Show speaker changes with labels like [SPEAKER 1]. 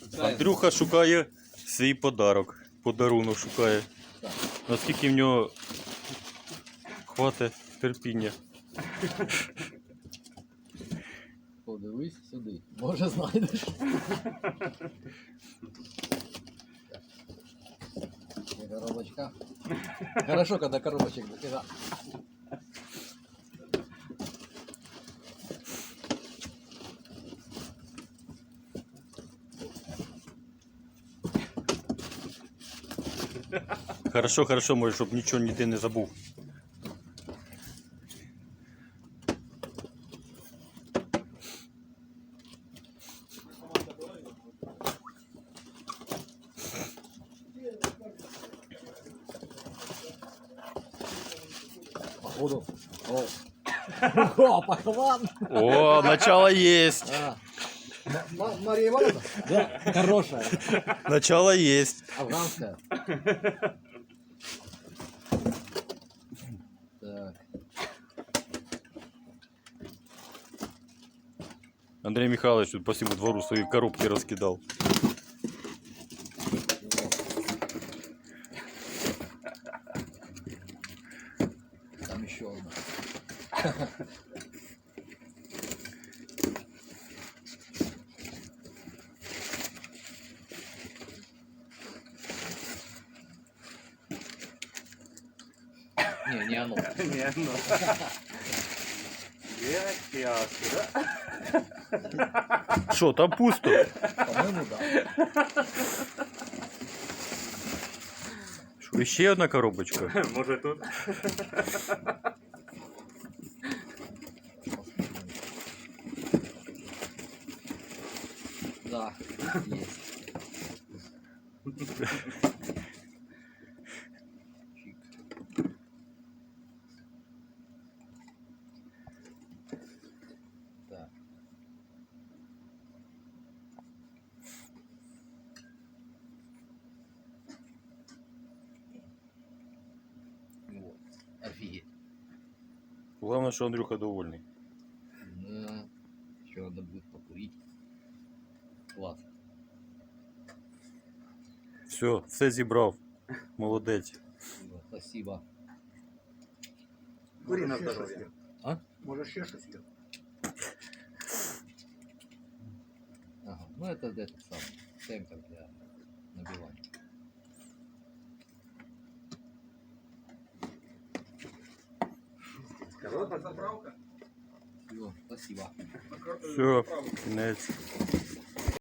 [SPEAKER 1] Андрюха шукає свій подарок. Подарунок шукає. Наскільки в нього хватить терпіння.
[SPEAKER 2] Подивись сюди. Може знайдеш. Коробочка. Хорошо, когда коробочек дофига.
[SPEAKER 1] Хорошо, хорошо, може, щоб нічого ніде не забув.
[SPEAKER 2] Походу. О, пахлан.
[SPEAKER 1] О, начало есть.
[SPEAKER 2] Мария Ивановна? Да, хорошая.
[SPEAKER 1] Начало есть.
[SPEAKER 2] Афганская. Так.
[SPEAKER 1] Андрей Михайлович тут по всему двору свои коробки раскидал.
[SPEAKER 2] Там еще одна. Не оно.
[SPEAKER 3] Не оно. Ясно, да?
[SPEAKER 1] Что, там пусто?
[SPEAKER 2] По-моему, да.
[SPEAKER 1] Что, еще одна коробочка?
[SPEAKER 3] Может тут?
[SPEAKER 2] Да, есть. Чик. Так. Вот. Офигеть.
[SPEAKER 1] Главное, что Андрюха довольный.
[SPEAKER 2] Да. Еще надо будет покурить. Класс.
[SPEAKER 1] Все зібрав. Молодець.
[SPEAKER 2] Спасибо.
[SPEAKER 3] Кури на здоровье.
[SPEAKER 2] А?
[SPEAKER 3] Может, еще что-то съел?
[SPEAKER 2] Ага. Ну это этот самый темпер для набивания.
[SPEAKER 3] Короткая заправка?
[SPEAKER 2] Всё, спасибо.
[SPEAKER 1] Все, кінець.